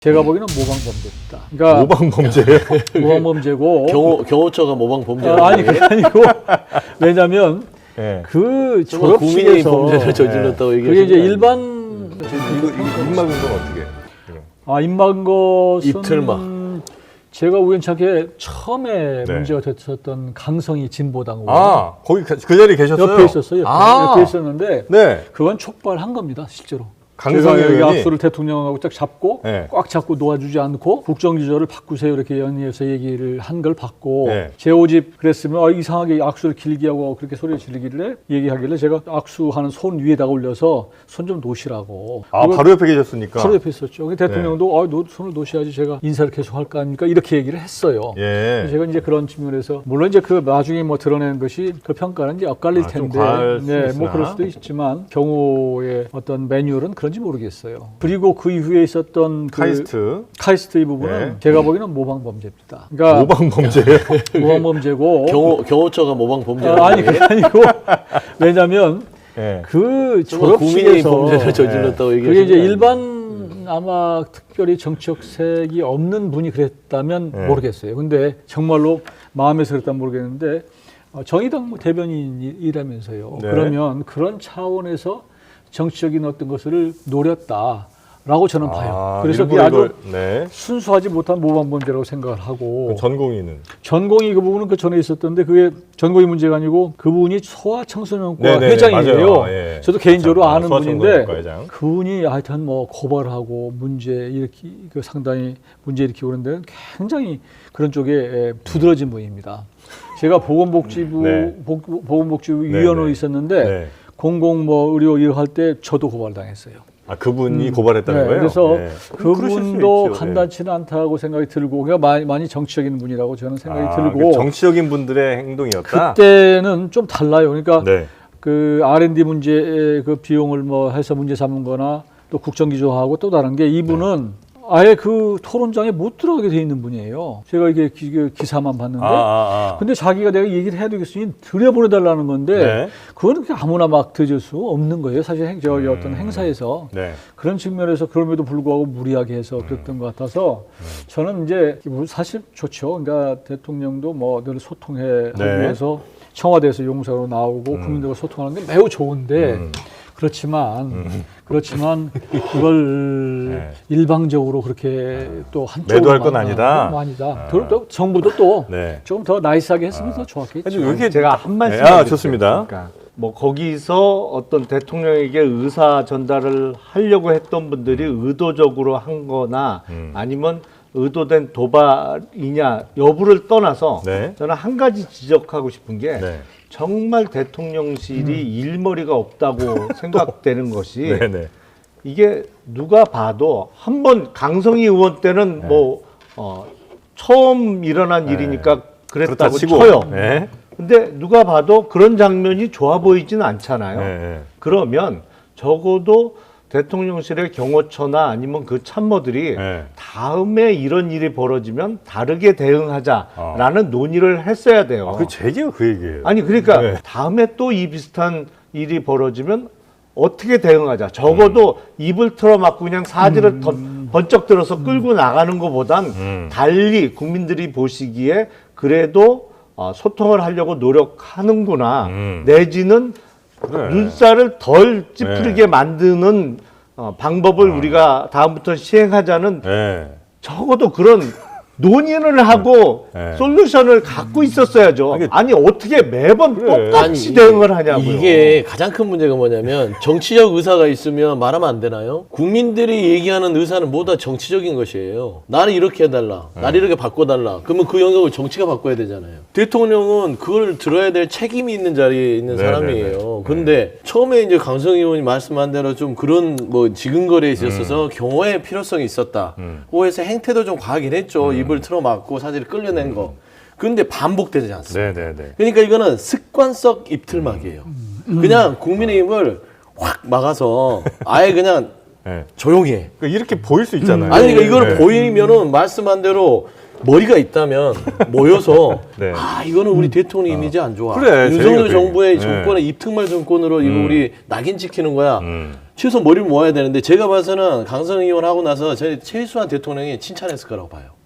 제가 보기에는 모방범죄입니다. 그러니까 모방범죄예요? 모방범죄고 경호처가 모방범죄 아니 그게 아니고 왜냐하면 네. 그 국민의 졸업식에서 범죄를 저질렀다고 그게 얘기하시는 이제 거 일반 이거 입 막은 건 어떻게? 입 막은 것은 입틀막. 제가 우연찮게 처음에 네. 문제가 됐었던 강성희 진보당 의원 아, 거기 그 자리에 계셨어요? 옆에 있었어요. 옆에 있었는데 네. 그건 촉발한 겁니다, 실제로. 강성희 제가 여기 의원이 악수를 대통령하고 딱 잡고 네. 꽉 잡고 놓아주지 않고 국정기조를 바꾸세요 이렇게 연이어서 얘기를 한 걸 받고 네. 제 오집 그랬으면 이상하게 악수를 길게 하고 그렇게 소리 지르길래 얘기하길래 제가 악수하는 손 위에다가 올려서 손 좀 놓으시라고. 아, 바로 옆에 계셨으니까. 바로 옆에 있었죠. 대통령도 손을 놓으셔야지 제가 인사를 계속 할 거 아닙니까 이렇게 얘기를 했어요. 예. 제가 이제 그런 측면에서 물론 이제 그 나중에 뭐 드러낸 것이 그 평가는 이제 엇갈릴 좀 텐데 과할 수 네, 있으나. 뭐 그럴 수도 있지만 경호의 어떤 매뉴얼은 그런지 모르겠어요. 그리고 그 이후에 있었던 그 카이스트 이 부분은 네. 제가 보기에는 모방범죄입니다. 그러니까 모방범죄예요? 모방범죄고 경호처가 모방범죄 아니 그게 아니고 왜냐하면 네. 그 국민의 졸업식에서 범죄를 저질렀다고 그게 얘기하시는 이제 거 아니에요? 일반 아마 특별히 정치적 색이 없는 분이 그랬다면 네. 모르겠어요. 근데 정말로 마음에서 그랬다면 모르겠는데 정의당 대변인이라면서요. 네. 그러면 그런 차원에서 정치적인 어떤 것을 노렸다라고 저는 봐요. 그래서 그게 아주 네. 순수하지 못한 모방범죄라고 생각을 하고 전공의는 전공의 그 부분은 그 전에 있었던데 그게 전공의 문제가 아니고 그분이 소아청소년과 네네네, 회장이에요. 맞아요. 예. 저도 개인적으로 아는 분인데 소아청소년과 회장. 그분이 하여튼 뭐 고발하고 문제 일으키 그 상당히 문제 일으키고 그런 데는 굉장히 그런 쪽에 두드러진 분입니다. 제가 보건복지부 네. 보건복지부 네, 위원으로 네. 있었는데 네. 공공 뭐 의료 일을 할 때 저도 고발당했어요. 아, 그분이 고발했다는 거예요? 그래서 네. 그분도 있죠. 간단치는 않다고 생각이 들고 그러니까 많이 정치적인 분이라고 저는 생각이 들고 그 정치적인 분들의 행동이었다? 그때는 좀 달라요. 그러니까 네. 그 R&D 문제의 그 비용을 뭐 해서 문제 삼은 거나 또 국정기조하고 또 다른 게 이분은 아예 그 토론장에 못 들어가게 돼 있는 분이에요. 제가 이게 기사만 봤는데 근데 자기가 내가 얘기를 해야 되겠으니 들여보내달라는 건데 네. 그거는 그냥 아무나 막 드릴 수 없는 거예요. 사실 어떤 행사에서 네. 그런 측면에서 그럼에도 불구하고 무리하게 해서 그랬던 것 같아서 저는 이제 사실 좋죠. 그러니까 대통령도 뭐 늘 소통해 하기 네. 위해서 청와대에서 용사로 나오고 국민들과 소통하는 게 매우 좋은데 그렇지만 그걸 네. 일방적으로 그렇게 또 한쪽으로 매도할 건 아니다. 아니다. 또 정부도 또 네. 조금 더 나이스하게 했으면 더 좋았겠죠. 이게 제가 한 말씀 좋습니다. 그러니까 뭐 거기서 어떤 대통령에게 의사 전달을 하려고 했던 분들이 의도적으로 한 거나 아니면 의도된 도발이냐 여부를 떠나서 네. 저는 한 가지 지적하고 싶은 게 네. 정말 대통령실이 일머리가 없다고 생각되는 것이 네네. 이게 누가 봐도 한 번 강성희 의원 때는 네. 뭐 처음 일어난 일이니까 그렇다 그랬다고 치고. 쳐요. 네. 근데 누가 봐도 그런 장면이 좋아 보이지는 않잖아요. 네. 그러면 적어도 대통령실의 경호처나 아니면 그 참모들이 네. 다음에 이런 일이 벌어지면 다르게 대응하자라는 논의를 했어야 돼요. 제 얘기가 그 얘기예요. 아니 그러니까 네. 다음에 또 이 비슷한 일이 벌어지면 어떻게 대응하자. 적어도 입을 틀어막고 그냥 사지를 번쩍 들어서 끌고 나가는 것보단 달리 국민들이 보시기에 그래도 소통을 하려고 노력하는구나. 내지는 그래. 눈살을 덜 찌푸리게 만드는 방법을 우리가 다음부터 시행하자는 네. 적어도 그런 논의를 하고 네. 솔루션을 갖고 있었어야죠. 아니 어떻게 매번 똑같이 아니, 대응을 하냐고요. 이게 가장 큰 문제가 뭐냐면 정치적 의사가 있으면 말하면 안 되나요? 국민들이 얘기하는 의사는 모두 다 정치적인 것이에요. 나를 이렇게 해달라. 나를 이렇게 바꿔달라. 그러면 그 영역을 정치가 바꿔야 되잖아요. 대통령은 그걸 들어야 될 책임이 있는 자리에 있는 네네네. 사람이에요. 근데 처음에 이제 강성희 의원이 말씀한 대로 좀 그런 뭐 지근거리에 있어서 경호의 필요성이 있었다. 그래서 행태도 좀 과하긴 했죠. 입을 틀어막고 사지를 끌려낸 거. 근데 반복되지 않습니다. 네네네. 그러니까 이거는 습관성 입틀막이에요. 그냥 국민의힘을 확 막아서 아예 그냥 네. 조용히 해. 그러니까 이렇게 보일 수 있잖아요. 아니 그러니까 이거를 네. 보이면은 말씀한 대로 머리가 있다면 모여서 네. 이거는 우리 대통령 이미지 안 좋아. 그래, 윤석열 제가 정부의 그 얘기. 정권의 입특말 정권으로 이거 우리 낙인 찍히는 거야. 최소 머리를 모아야 되는데 제가 봐서는 강성 의원 하고 나서 저희 최수환 대통령이 칭찬했을 거라고 봐요.